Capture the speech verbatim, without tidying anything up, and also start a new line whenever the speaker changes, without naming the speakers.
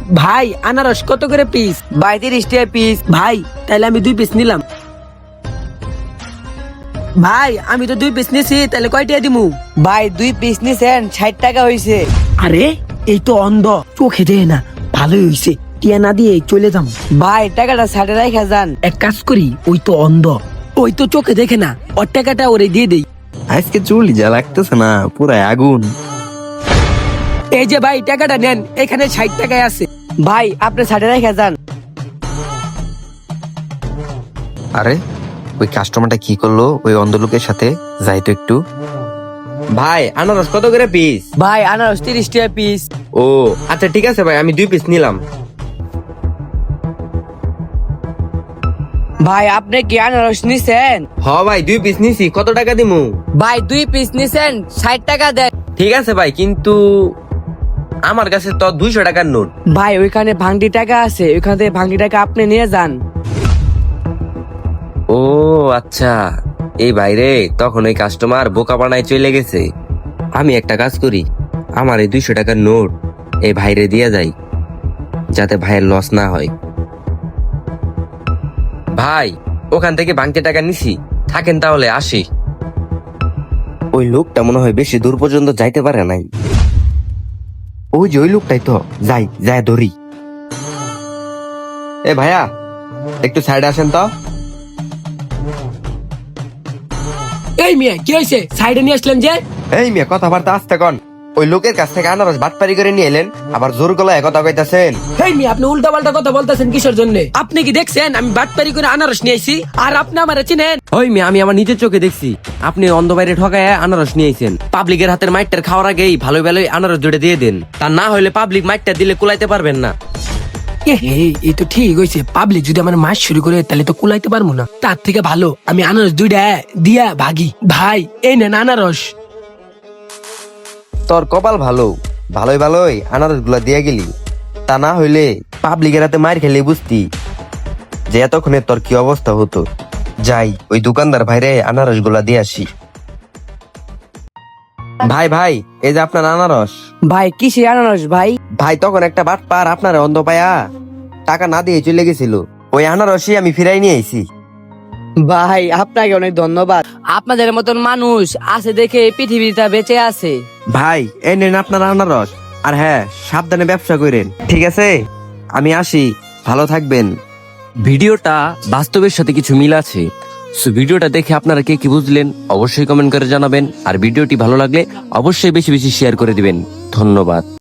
ভাই আনারস কত করে পিস?
ভাই তিরিশ টাকা পিস।
ভাই তাহলে আমি দুই পিস নিলাম। ভাই আমি তো দুই পিস নিছি, তাহলে কয়টা দিমু?
ভাই দুই পিস নিছেন ষাট টাকা হইছে।
আরে এই তো অন্ধ, চোখে দেয় না। ভালোই হইছে, টিয়া না দিয়ে চলে যাম।
ভাই টাকাটা ষাটে রাখা যান।
এক কাজ করি, ওই তো অন্ধ, ওই তো চোখে দেখে না, ওর টাকাটা ওরে দিয়ে দেই।
আজকে চুলি যা লাগতেছে না, পুরা আগুন।
এই যে ভাই টাকাটা নেন, এখানে ষাট টাকায় আছে।
ভাই আপনি ষাটে রাখা যান।
আরে ওই কাস্টমারটা কি করলো ওই অন্ধ লোকের সাথে? যাই তো একটু। ভাই আনারস কত করে পিস?
ভাই আনারস তিরিশ টাকা পিস।
ও আচ্ছা ঠিক আছে ভাই, আমি দুই পিস নিলাম।
ভাই আপনি কি আনারস নিছেন?
হ ভাই দুই পিস নিছি, কত টাকা দিমু?
ভাই দুই পিস নিছেন ষাট টাকা দেন।
ঠিক আছে ভাই, কিন্তু আমার কাছে তো দুইশো টাকার নোট।
ভাই ওইখানে ভাঙটি টাকা আছে, ওইখান থেকে ভাঙটি টাকা আপনি নিয়ে যান।
ও আচ্ছা, এই বাইরে তখন ওই কাস্টমার বোকা বানায় চলে গেছে। আমি একটা কাজ করি, আমার এই দুইশো টাকার নোট এই ভাইরে দিয়ে যাই, যাতে ভাইয়ের লস না হয়। ভাই ওখান থেকে ভাঙতে টাকা নিছি, থাকেন তাহলে আসি। ওই লোকটা মনে হয় বেশি দূর পর্যন্ত যাইতে পারে নাই। ওই যে ওই লোকটাই তো, যাই যাই ধরি। এ ভাইয়া একটু সাইডে আসেন তো।
এই মিয়া কি হয়েছে, সাইডে নিয়ে আসলেন যে?
এই মিয়া কথাবার্তা আসতে কন। ওই লোকের কাছ থেকে আনারস বাটপারি করে নিয়ে এলেন, আবার জোর গলায় কথা কইতাছেন।
এই মিয়া আপনি উল্টা পাল্টা কথা বলতেছেন কিসের জন্য? আপনি কি দেখছেন আমি বাটপারি করে আনারস নিয়ে আইছি, আর আপনি আমারে চিনেন?
ওই মেয়ে, আমি আমার নিজের চোখে দেখছি আপনি অন্ধ বাইরে ঠকায় আনারস নিয়েছেন। পাবলিকের হাতের মাইটটার খাওয়ার আগেই ভালো ভালোই আনারস জুড়ে দিয়ে দেন, তা না হলে পাবলিক মাইটটা দিলে কুলাইতে পারবেন না।
এ হে, এই তো ঠিক হয়েছে। পাবলিক যদি আমার মাছ শুরু করে তাহলে তো কুলাইতে পারবো না। তার থেকে ভালো আমি আনারস দুইটা দিয়া ভাগি। ভাই এই নেন আনারস।
তোর কপাল ভালো, ভালোই ভালোই আনারস গুলা দিয়ে গেলি, তা না হইলে পাবলিকের হাতে মার খেলে বুঝতি যে এতক্ষণে তোর কি অবস্থা হতো। যাই ওই দোকানদার ভাইরে আনারস গুলা দিয়ে আসি। ভাই ভাই এই যে আপনার আনারস।
ভাই কিসে আনারস ভাই?
ভাই তখন একটা বাটপার আপনার অন্ধ পায়া টাকা না দিয়ে চলে গেছিল, ওই আনারসই আমি ফিরাই নিয়ে আইছি।
ভাই আপনাকে অনেক ধন্যবাদ, আপনাদের মতন মানুষ আছে দেখে এই পৃথিবীটা বেঁচে আছে।
ভাই এই নেন আপনার আনারস, আর হ্যাঁ সাবধানে ব্যবসা করেন, ঠিক আছে? আমি আসি, ভালো থাকবেন।
ভিডিওটা বাস্তবের সাথে কিছু মিল আছে, সো ভিডিওটা দেখে আপনারা কে কি বুঝলেন অবশ্যই কমেন্ট করে জানাবেন, আর ভিডিওটি ভালো লাগলে অবশ্যই বেশি বেশি শেয়ার করে দিবেন। ধন্যবাদ।